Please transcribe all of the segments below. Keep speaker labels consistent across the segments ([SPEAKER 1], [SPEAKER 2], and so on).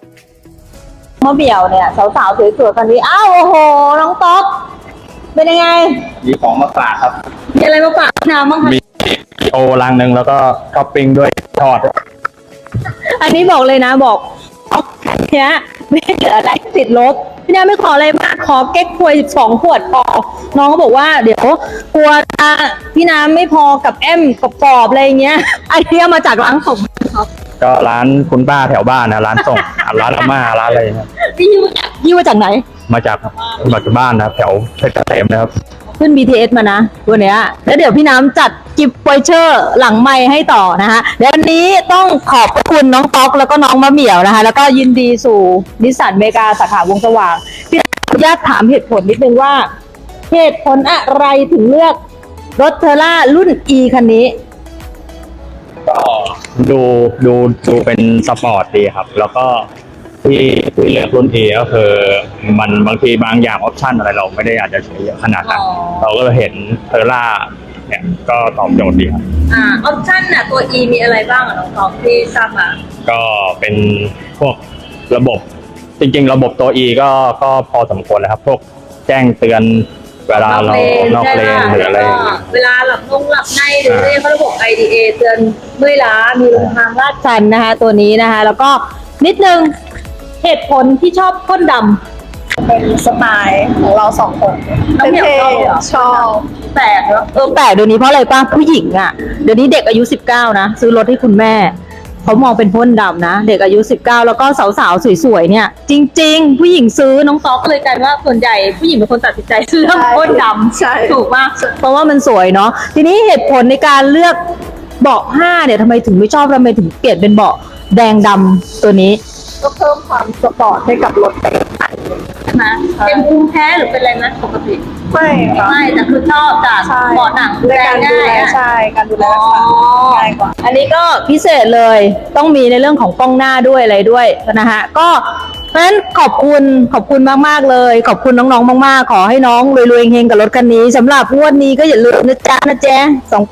[SPEAKER 1] มะเบี่ยวเนี่ยสาวๆสวยๆคนนี้อ้าวโอ้โหน้องต๊อกเป็นยังไง
[SPEAKER 2] มีของมาฝากครับ
[SPEAKER 1] มีอะไรมาฝากน้ำบ้างคะ
[SPEAKER 2] มีโอลังหนึ่งแล้วก็ท็อปปิ้งด้วยทอด
[SPEAKER 1] อันนี้บอกเลยนะบอกเนี้ยไม่เหลืออะไรติดลบพี่น้าไม่ขออะไรมากขอเก๊กควย12 ขวดพอน้องก็บอกว่าเดี๋ยวกลัวพี่น้ำไม่พอกับแอมกับกรอบอะไรเงี้ยอันนี้มาจากร้านส่งครับ
[SPEAKER 2] ก็ร้านคุณป้าแถวบ้านนะร้านส่ง ร้านอาม่าร้านอะไรครับ
[SPEAKER 1] พี่ยี่มาจากไหน
[SPEAKER 2] มาจากบ้านนะครับแถวเพชรเกษมนะครับ
[SPEAKER 1] ขึ้น BTS มานะวันเนี้ยแล้วเดี๋ยวพี่น้ำจัดกิฟต์วอเชอร์หลังไมค์ให้ต่อนะคะเดี๋ยววันนี้ต้องขอบคุณน้องต๊อกแล้วก็น้องมะเหมี่ยวนะคะแล้วก็ยินดีสู่นิสสันเมกาสาขาวงสว่างพี่น้ำญาติถามเหตุผลนิดนึงว่าเหตุผลอะไรถึงเลือกรถเทอร่ารุ่น E คันนี้
[SPEAKER 2] ก็ดูเป็นสปอร์ตดีครับแล้วก็ที่เลือกรุ่น A ก็คือมันบางทีบางอย่างออปชั่นอะไรเราไม่ได้อาจจะใช้เยอะขนาดนั้นเราก็เห็นเทอร่าเนี่ยก็ตอบโจทย์ดีครับ
[SPEAKER 1] ออปชั่นน่ะตัว E มีอะไรบ้างน้องท็อปที่ทราบมา
[SPEAKER 2] ก็เป็นพวกระบบจริงๆระบบตัว E ก็พอสมควรแล้วครับพวกแจ้งเตือนเวลาเรานอกเลนหรืออะไร
[SPEAKER 1] เวลาหลับในหรือเรียกเขาระบบ IDA เตือนเมื่อยล้ามีลงทางลาดชันนะคะตัวนี้นะคะแล้วก็นิดนึงเหตุผลที่ชอบพ่นดำ
[SPEAKER 3] เป็นสไตล์ของเราสองคนเท่ๆชอบ
[SPEAKER 1] แปลกเนอะแปลกเดี๋ยวนี้เพราะอะไรป้าผู้หญิงอ่ะเดี๋ยวนี้เด็กอายุ19นะซื้อรถให้คุณแม่เขามองเป็นพ่นดำนะเด็กอายุ19แล้วก็สาวๆสวยๆเนี่ยจริงๆผู้หญิงซื้อน้องต๊อกเลยกันว่าส่วนใหญ่ผู้หญิงเป็นคนตัดสินใจซื้อเรื่องพ่นดำถูกมากเพราะว่ามันสวยเนาะทีนี้เหตุผลในการเลือกเบาะ5เนี่ยทำไมถึงไม่ชอบทำไมถึงเปลี่ยนเป็นเบาะแดงดำตัวนี้
[SPEAKER 3] ก็เพิ่มความสปอร์ตให้กับรถใ
[SPEAKER 1] ช่ไหมเป็นภูมิแพ้หรือเป็นอะไรนะปกติ
[SPEAKER 3] ไม่
[SPEAKER 1] แต่คือชอบจากเบาะหนัง
[SPEAKER 3] ในการดูแลใช่การดูแลรักษาง่ายกว่า
[SPEAKER 1] อันนี้ก็พิเศษเลยต้องมีในเรื่องของกล้องหน้าด้วยอะไรด้วยนะฮะก็เพราะฉะนั้นขอบคุณมากๆเลยขอบคุณน้องๆมากๆขอให้น้องรวยๆเฮงๆกับรถคันนี้สำหรับงวดนี้ก็อย่าลืมนะจ๊ะ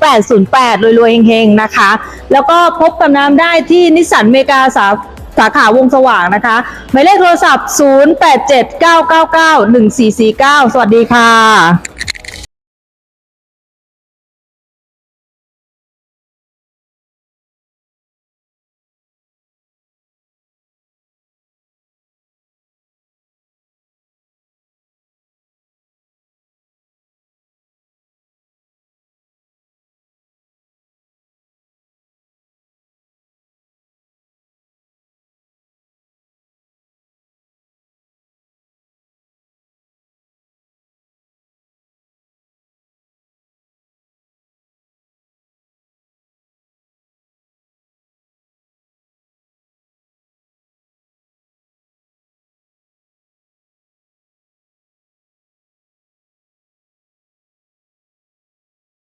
[SPEAKER 1] 2808รวยๆเฮงๆนะคะแล้วก็พบกับน้ำได้ที่นิสสันเมกาสาขาวงสว่างนะคะหมายเลขโทรศัพท์0879991449สวัสดีค่ะ